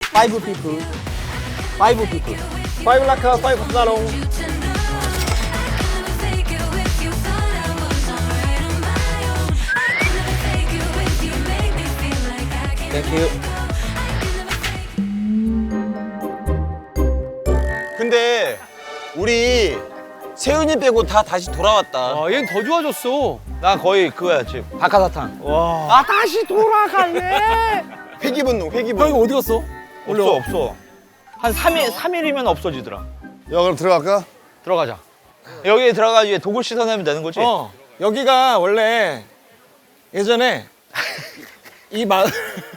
Five people. Five people. Five lakha, five sarong. Thank you. 근데 우리 세윤이 빼고 다 다시 돌아왔다. 아, 얘는 더 좋아졌어. 나 거의 그거야 지금. 박하사탕. 와. 아, 다시 돌아갈래. 회기분노, 형 회기분노. 이거 어디 갔어? 없어. 한 3일이면 없어지더라. 야, 그럼 들어갈까? 들어가자. 여기에 들어가 이제 독을 씻어내면 되는 거지? 여기가 원래 예전에 이 마을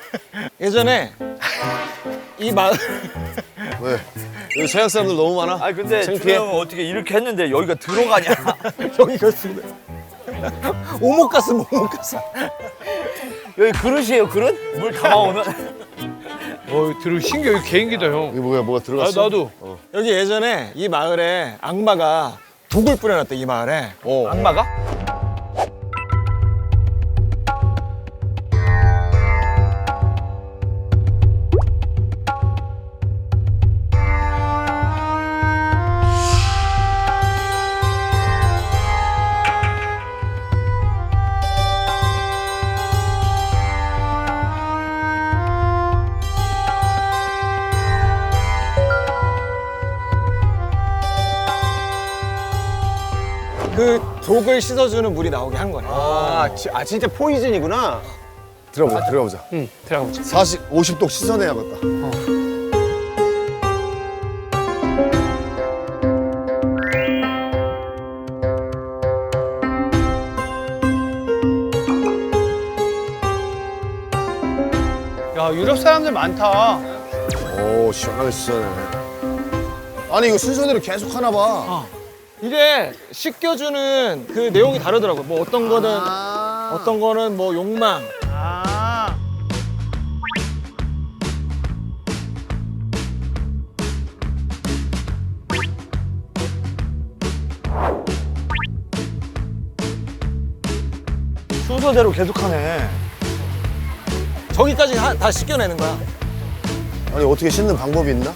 왜? 여기 서양 사람들 너무 많아? 아니 근데 창피해? 준호 형은 어떻게 이렇게 했는데 여기가 들어가냐? 여기가 있습니다. 오목가스 오목가스. 여기 그릇이에요, 그릇? 물 담아오는? 들어 신기해. 여기 개인기다, 형. 이게 뭐가 아, 들어갔어? 나도. 여기 예전에 이 마을에 악마가 독을 뿌려놨대 이 마을에. 악마가? 그 독을 씻어주는 물이 나오게 한 거네. 진짜 포이즌이구나. 들어가보자. 응, 들어가보자. 50독 씻어내야겠다. 야, 유럽 사람들 많다. 오, 시원하게 씻어내. 아니, 이거 순서대로 계속 하나 봐. 이게 씻겨주는 그 내용이 다르더라고. 뭐 어떤 거는 뭐 욕망. 아. 순서대로 계속하네. 저기까지 다 씻겨내는 거야. 아니, 어떻게 씻는 방법이 있나?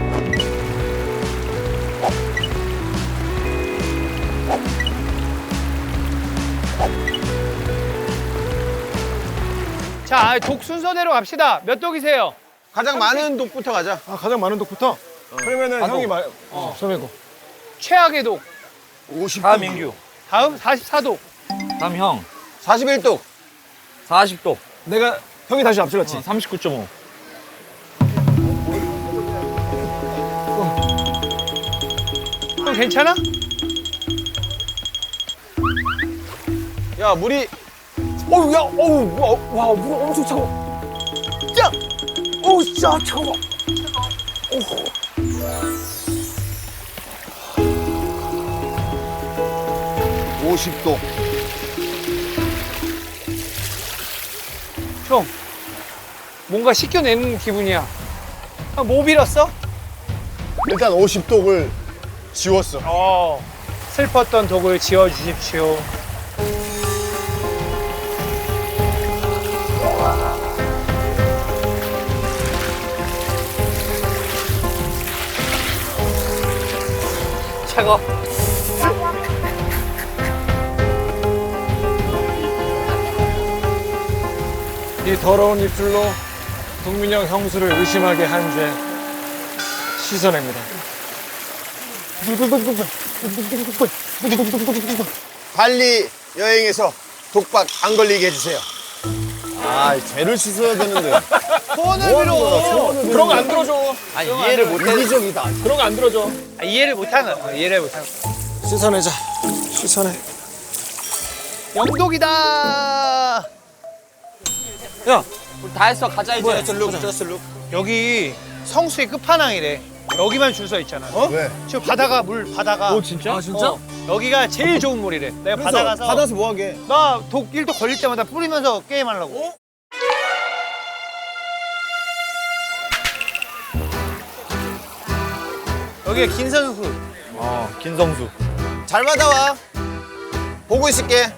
자, 독 순서대로 갑시다. 몇 독이세요? 가장 많은 독부터 가자. 가장 많은 독부터. 그러면은 형이 처음이고. 최악의 독. 50독. 다음 민규. 다음 44독. 다음 형. 41독. 40독. 내가 형이 다시 앞질렀지. 39.5. 형 괜찮아? 야, 물이 어우 야 어우 와 물 엄청 차가워. 야 어우 진짜 차가워. 50독. 형, 뭔가 씻겨내는 기분이야. 형, 뭐 빌었어? 일단 50독을 지웠어. 슬펐던 독을 지워주십시오. 차가. 이 더러운 입술로 동민형 형수를 의심하게 한 죄 씻어냅니다. 발리 여행에서 독박 안 걸리게 해주세요. 아, 쟤를 씻어야 되는데. 소원을 그런 거 안 들어줘. 아니, 이해를 못해. 이기적이다. 그런 거 안 들어줘. 이해를 못하는 거야. 이해를 못하는 거야. 씻어내자. 씻어내. 영독이다. 야 다 했어. 가자 이제. 저스 룩. 여기 성수의 끝판왕이래. 여기만 줄 서 있잖아. 왜? 지금 바다가 물. 진짜? 아 진짜? 여기가 제일 좋은 물이래. 내가 바다 가서 받아서 뭐 하게? 나 독 1독 걸릴 때마다 뿌리면서 게임하려고. 여기가 김선수. 김성수. 잘 받아와. 보고 있을게.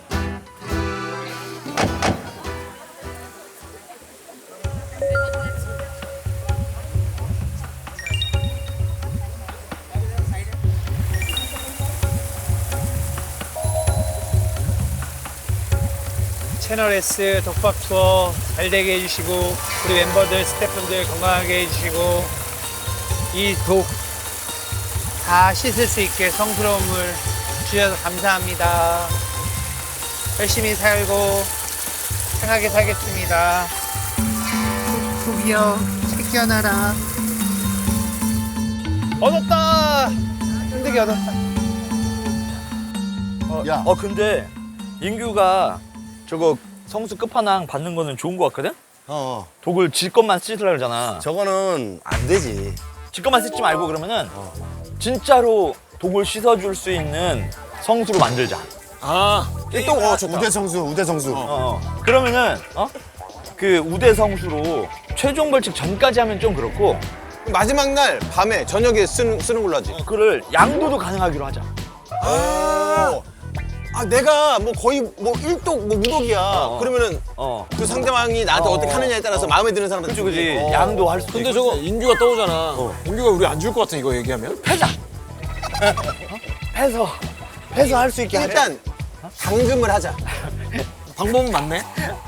채널 S 독박 투어 잘 되게 해주시고 우리 멤버들 스태프분들 건강하게 해주시고 이 독 다 씻을 수 있게 성스러운 물 주셔서 감사합니다. 열심히 살고 편하게 살겠습니다. 독이여 챙겨놔라. 얻었다. 힘들게 얻었다. 야, 근데 인규가 저거 성수 끝판왕 받는 거는 좋은 거 같거든? 독을 지 것만 쓰려고 그러잖아. 저거는 안 되지. 지 것만 쓰지 말고 그러면은 진짜로 독을 씻어줄 수 있는 성수로 만들자. 아, 또 좋다. 우대성수. 그러면은 그 우대 성수로 최종 벌칙 전까지 하면 좀 그렇고 마지막 날 밤에 저녁에 쓰는 걸로 하지. 그를 양도도 가능하기로 하자. 내가 뭐 거의 뭐 1독 뭐 무독이야. 그러면은 그 상대방이 나한테 어떻게 하느냐에 따라서 마음에 드는 사람한테 그지 양도 할 수도 근데 있고. 저거 인규가 떠오잖아. 인규가 우리 안 줄 것 같아 이거 얘기하면. 패자. 패서 할 수 있게 하자. 일단 당금을 하자. 방법은 맞네.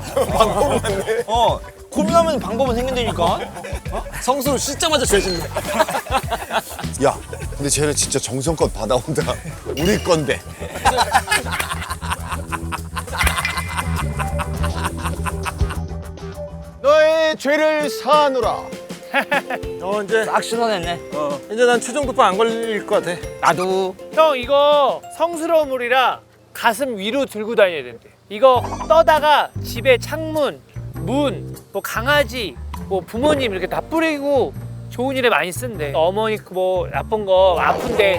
고민하면 방법은 생긴다니까. 성수로 씻자마자 죄짓네. 야, 근데 쟤는 진짜 정성껏 받아온다. 우리 건데. 너의 죄를 사하노라. 이제 딱 씻어냈네. 이제 난 최종 독박 안 걸릴 것 같아. 나도. 형 이거 성스러운 물이라 가슴 위로 들고 다녀야 된대. 이거 떠다가 집에 창문, 문, 뭐 강아지, 뭐 부모님 이렇게 다 뿌리고 좋은 일에 많이 쓴대. 어머니 뭐 나쁜 거 아픈데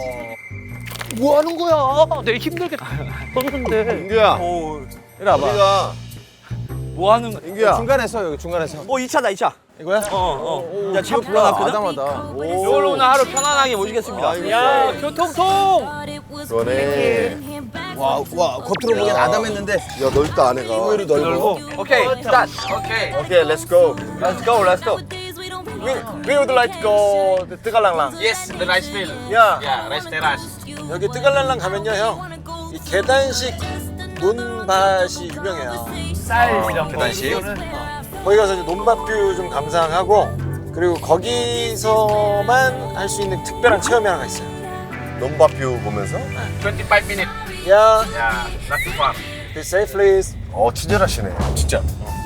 뭐 하는 거야? 내가 힘들게 떴는데. 인규야, 이리 와봐. 우리가 뭐 하는 거? 인규야. 중간에 서 여기 중간에 서. 2차다 2차. 이거야? 야, 차 불러놨거든? 아담하다. 이걸로 오늘 하루 편안하게 모시겠습니다. 야 교통통. 그러네. 와 겉으로 보기엔 아담했는데 야, 넓다, 안에가. 의외로 넓어. 오케이, 스타트. 오케이, 렛츠고. Let's go, let's go. We would like to go to 뜨갈랑랑. Yes, the rice mill. 야, Yeah, rice terrace. 여기 뜨갈랑랑 가면요, 형. 이 계단식 논밭이 유명해요. 쌀 이런 거. 계단식? 거기 가서 이제 논밭뷰 좀 감상하고 그리고 거기서만 할 수 있는 특별한 체험이 하나가 있어요. 논밭뷰 보면서. 25 minutes. 야, Yeah, not too far. be safe, please. 친절하시네. 진짜.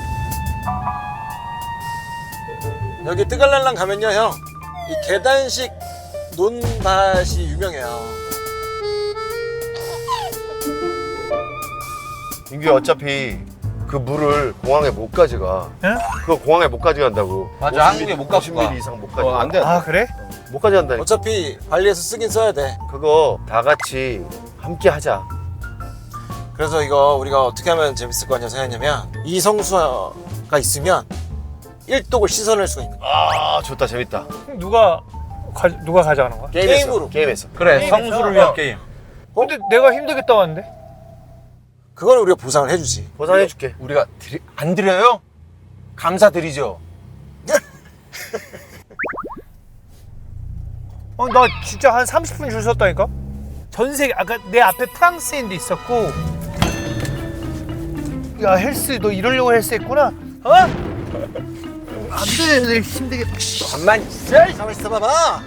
여기 뜨갈랄랑 가면요, 형. 이 계단식 논밭이 유명해요. 인규야, 어차피 그 물을 공항에 못 가져가. 응? 그거 공항에 못 가져간다고. 맞아, 한국에 못 가져가. 50mm 이상 못 가져가. 안 돼. 아 그래? 못 가져간다니까. 어차피 발리에서 쓰긴 써야 돼. 그거 다 같이 함께 하자. 그래서 이거 우리가 어떻게 하면 재밌을 것 같냐 생각했냐면 이 성수가 있으면 1독을 씻어낼 수가 있는 거야. 좋다, 재밌다. 누가 가져가는 거야? 게임으로. 게임에서. 그래, 성수를 위한 게임. 근데 내가 힘들겠다 왔는데. 그거는 우리가 보상을 해주지. 보상해줄게. 우리가 안 드려요? 감사드리죠. 나 진짜 한 30분 줄 섰다니까? 전 세계 아까 내 앞에 프랑스인도 있었고. 야 헬스 너 이러려고 헬스 했구나? 안돼 내 힘들게. 가만 있어. 가만 있어 봐봐.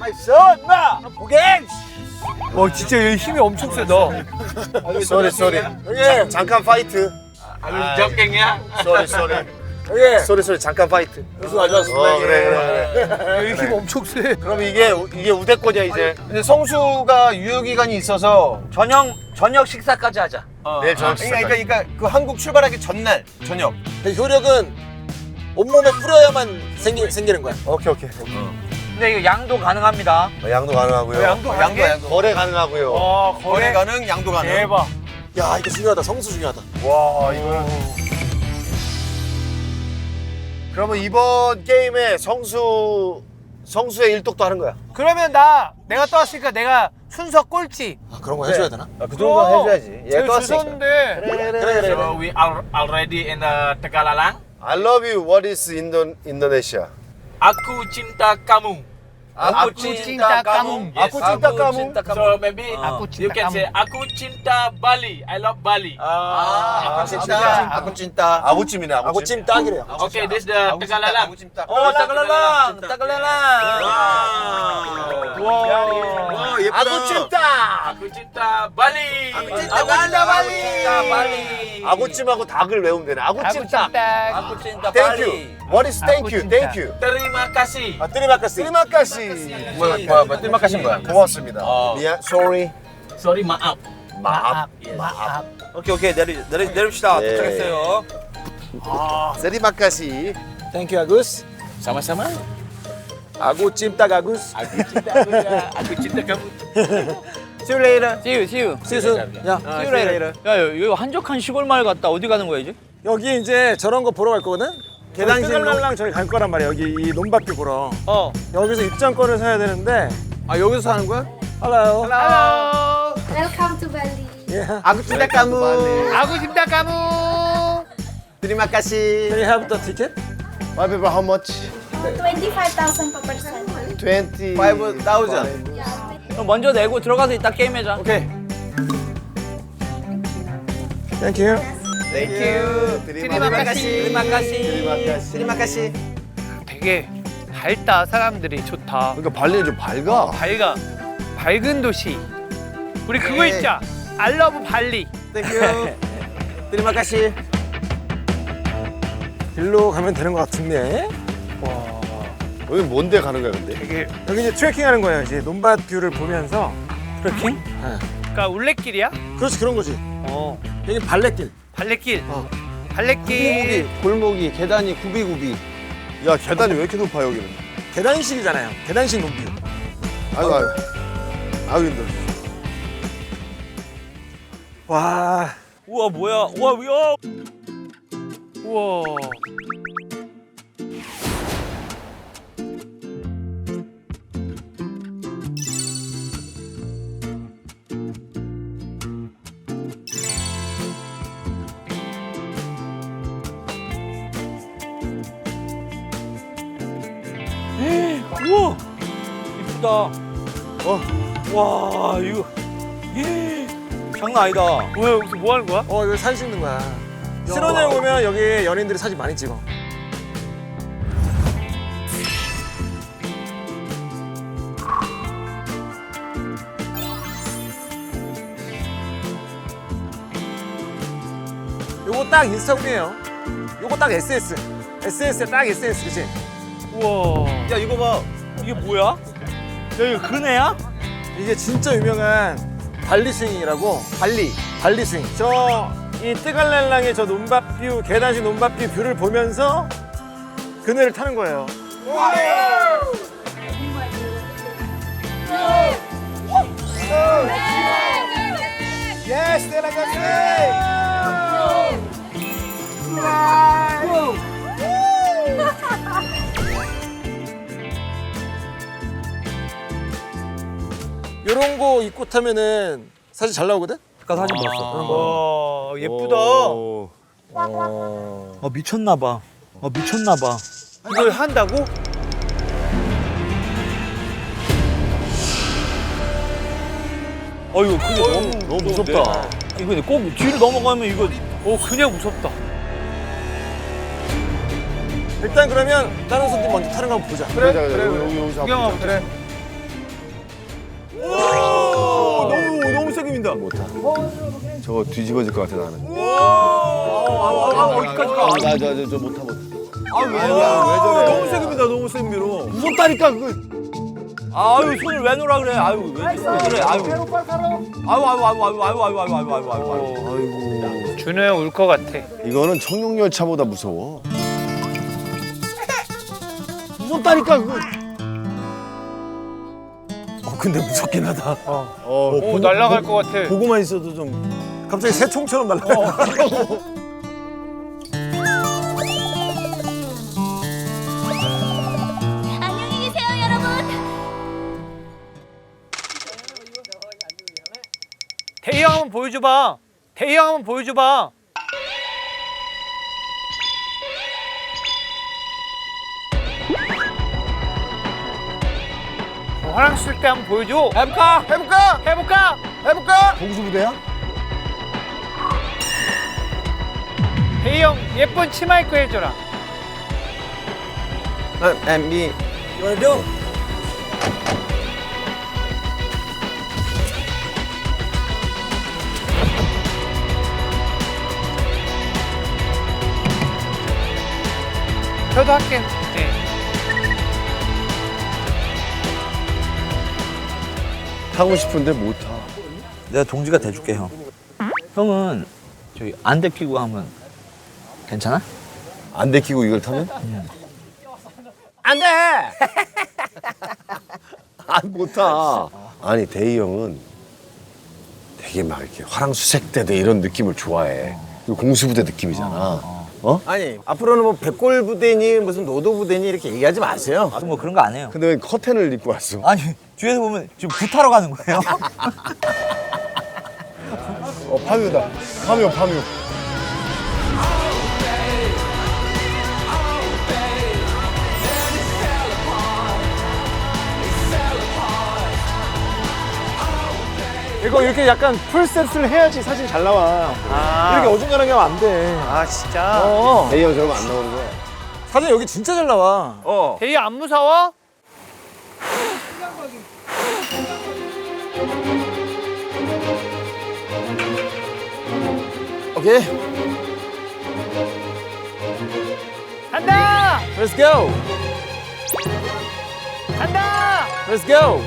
진짜 얘 힘이 엄청 세다. 쏘리. 잠깐 파이트. Are you joking, yeah? 쏘리. 예. 쏘리, 잠깐 파이트. 무슨 가져왔습니다. 그래. 얘 힘 엄청 세. 그럼 이게 우대권이야, 이제. 근데 성수가 유효 기간이 있어서 저녁 식사까지 하자. 내일 저녁 식사. 그러니까 그 한국 출발하기 전날 저녁. 그 효력은 온몸에 뿌려야만 생기는 거야. 오케이. 근데 이거 양도 가능합니다. 양도 가능하고요. 양도 양도. 거래 가능하고요. 거래 가능, 양도 가능. 대박. 야, 이거 중요하다. 성수 중요하다. 와, 이거는. 그러면 이번 게임에 성수의 일독도 하는 거야. 그러면 내가 떠왔으니까 내가 순서 꼴찌. 아, 그런 거 해줘야 되나? 그 정도는 해줘야지. 제일 줄 섰는데. 그래. So we are already in the Tegalalang. I love you. What is Indonesia? Aku cinta kamu. Aku cinta kamu. Yes. Aku cinta kamu. So maybe Aku you cinta can say kamu. aku cinta Bali. I love Bali. 아, 아구 찐따. 아구찜이네, 아구찜. 아구찜 딱이래요. Okay, this is the Tegalalang. 어, 따글랄랑, 따글랄랑. 와, 예쁘다. Aku cinta Bali. Aku cinta Bali. 아구찜하고 닭을 외우면 되네. 아구찜 닭. Aku cinta Thank Bali. you. What is thank you? 아구찜 Thank you. Terima kasih. 아, 뜨리마카스. 트리마카시. 뭐야, 뜰막하신 거야? 고맙습니다. 미안, sorry. Sorry, maaf. 마압. 마압. 오케이, 내립시다. 네. 도착했어요. 세리마카시. 땡큐 아구스. Sama-sama. 아구찜 딱 아구스. Aku cinta aku cinta kamu. See you later. See you. 수수. 야, See you later. 야, 여기 한적한 시골 마을 갔다 어디 가는 거야, 이제? 여기 이제 저런 거 보러 갈 거거든? 계단식 뜨갈랄랑 저기 갈 거란 말이야. 여기 이 논밭뷰 보러. 어. 여기서 입장권을 사야 되는데. 아, 여기서 사는 거야? Hello. Hello. Welcome to Bali. Yeah. 아구 찐따 까무. 아구 cinta kamu. 드리마카시. Can you have the ticket? My people, how much? 25,000 per person. 20. 5,000. 그럼 먼저 내고 들어가서 이따 게임하자. 오케이. Thank you. 땡큐. 드리마카시. 드리마카시. 되게 밝다. 사람들이 좋다. 그러니까 발리는 좀 밝아. 밝아. 밝은 도시. 우리 그거 네. 있자. I love 발리. 땡큐. 드리마카시. 길로 가면 되는 것 같은데. 여기 뭔데 가는 거야, 근데? 되게 여기 이제 트레킹 하는 거예요. 이제 논밭 뷰를 보면서. 트래킹? 그러니까 울레길이야? 그렇지, 그런 거지. 어. 여기 발레길. 발레길. 어. 발레길. 골목이, 계단이 구비구비. 야, 계단이 왜 이렇게 높아, 여기는? 계단식이잖아요. 계단식 논뷰. 아이고, 아이고. 아이고, 힘들어. 와. 우와, 뭐야? 우와, 우와. 우와. 우와. 이쁘다. 와, 이거. 장난 아니다. 뭐야 여기서 뭐 하는 거야? 여기 사진 찍는 거야. 신혼여행 오면 여기 연예인들이 사진 많이 찍어. 요거 딱 인스타그램이에요. 요거 딱 SS. SS에 딱 SS, 그치? 우와. 야, 이거 봐. 이게 뭐야? 야, 이거 그네야? 이게 진짜 유명한 발리 스윙이라고. 발리 스윙. 이 뜨갈랄랑의 저 논밭뷰, 계단식 논밭뷰 뷰를 보면서 그네를 타는 거예요. Yes, 요런 거 입고 타면은 사진 잘 나오거든? 아까 사진 봤어. 와 예쁘다. 오. 미쳤나 봐. 미쳤나 봐. 이걸 한다고? 이거 근데 너무 무섭다. 이거 근데 꼭 뒤로 넘어가면 이거 그냥 무섭다. 일단 그러면 다른 손님 먼저 타는 거 한번 보자. 그래, 여기서 구경하고 그래. 너무 세게 민다. 저거 뒤집어질 것 같아, 나는. 어디까지 가? 저 못 타. 왜 저래? 너무 세게 민다, 너무 세게 밀어. 무섭다니까, 그거. 아유 손을 왜 놓으라 그래? 아유 왜 그래? 아유. 준호 형 울 것 같아. 이거는 청룡열차보다 무서워. 무섭다니까, 그거. 근데 무섭긴 하다. 오 날아갈 것 같아. 보고만 있어도 좀. 갑자기 새총처럼 날아가. 안녕히 계세요, 여러분. 대희 형 한번 보여줘봐. 대희 형 한번 보여줘봐. 화랑술 때 한번 보여줘. 해볼까? 해볼까? 해볼까? 해볼까? 공수부대야? 대희 형 예쁜 치마 입고 해줘라. 엠비. 저도 할게. 네. 타고 싶은데 못 타. 내가 동지가 돼줄게 형. 형은 저기 안대 끼고 하면 괜찮아? 안 데키고 이걸 타면? 안 돼! 못 타. 아니 대희 형은 되게 막 이렇게 화랑수색 대대 이런 느낌을 좋아해. 그리고 공수부대 느낌이잖아. 아니, 앞으로는 뭐 백골 부대니 무슨 노도 부대니 이렇게 얘기하지 마세요. 아, 뭐 그런 거 안 해요. 근데 왜 커튼을 입고 왔어? 아니 뒤에서 보면 지금 굿하러 가는 거예요. 파묘다. 파묘. 이거 이렇게 약간 풀셋을 해야지 사진 잘 나와. 이렇게 어중간하게 하면 안 돼. 아 진짜. 대희 형 저러면 안 나오는 거야. 사진 여기 진짜 잘 나와. 대희 안 무서워? 오케이. 간다! Let's go. 간다! Let's go.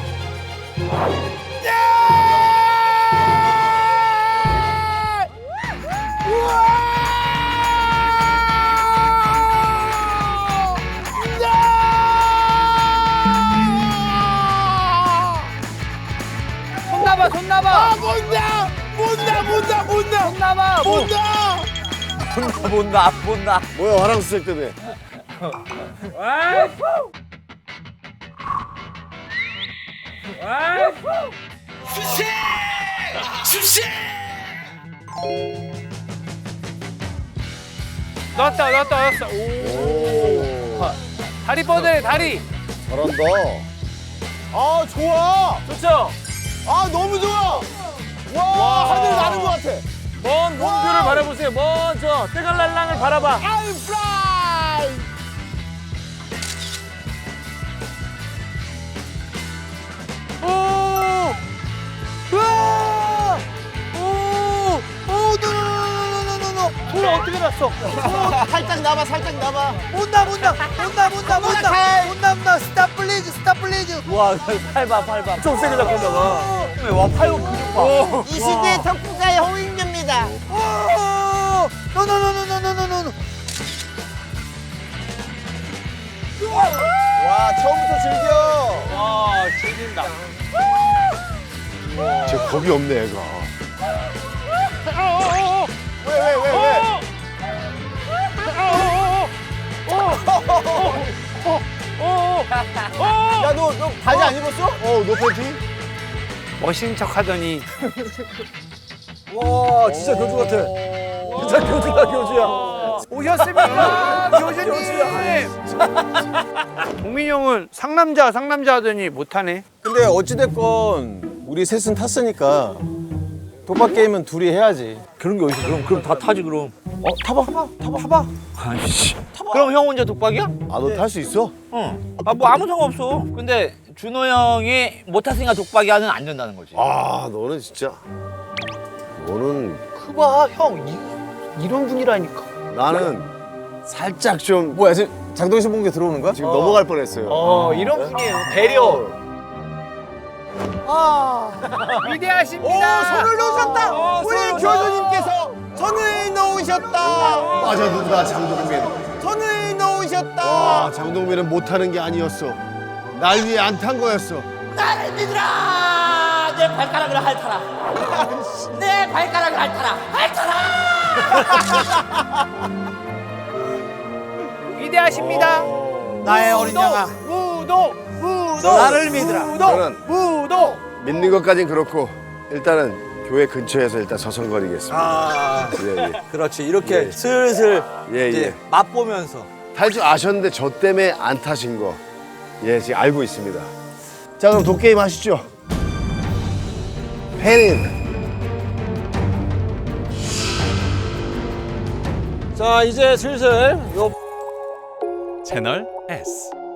손 놔봐, 손 놔봐. 아, 못나! 손 놔봐. 못나. 뭐야 화랑수색 대대. 넣었다. 오. 다리 뻗으래, 다리. 잘한다. 아, 좋아! 좋죠? 아, 너무 좋아! 와, 하늘 나는 것 같아. 먼 몽뷰를 바라보세요. 먼저 뜨갈랄랑을 바라봐. I'm fly! 손을 어떻게 놨어? 살짝 나봐, 살짝 나봐. 못나. 스탑 플리즈. 와, 팔 봐. 좀 세게 잡고 있나 봐. 와, 팔 근육 봐. 이 시대 덕후가의 홍익녀입니다. 노. 와, 처음부터 즐겨. 와, 죽인다. 쟤 겁이 없네 애가. 왜? 야, 너 바지 안 입었어? 너 팬티? 멋있는 척 하더니. 와, 진짜 교주 같아. 진짜 교주야. 오셨습니까? 교수님. 동민이 형은 상남자 하더니 못하네. 근데 어찌됐건 우리 셋은 탔으니까 독박 게임은 둘이 해야지. 그런 게 어딨어? 그럼 다 타지 그럼. 타봐. 아이씨. 그럼 형 혼자 독박이야? 아 너 탈 수 있어? 응. 뭐 아무 상관없어. 근데 준호 형이 못 탔으니까 독박이 하는 안 된다는 거지. 아 너는 진짜. 너는 그봐 형 이런 분이라니까. 나는 살짝 좀 뭐야, 지금 장동신 본게 들어오는 거야? 지금 넘어갈 뻔했어요. 이런 분이에요. 배려. 위대하십니다. 손을 놓으셨다. 우리 교수님께서 손을 놓으셨다. 맞아 누구다 장동민. 손을 놓으셨다. 와 장동민은 못하는 게 아니었어. 날 위해 안 탄 거였어. 나를 믿으라. 내 발가락을 핥아라. 내 발가락을 핥아라. 위대하십니다. 나의 어린 양아. 무도. 나를 믿으라. 저는 무도. 믿는 것까진 그렇고 일단은 교회 근처에서 일단 서성거리겠습니다. 예. 그렇지. 이렇게 슬슬 예, 이제 예. 맛보면서. 탈 줄 아셨는데 저 때문에 안 타신 거. 예, 지금 알고 있습니다. 자, 그럼 도게임 하시죠. 펜인. 자, 이제 슬슬 요 채널 S.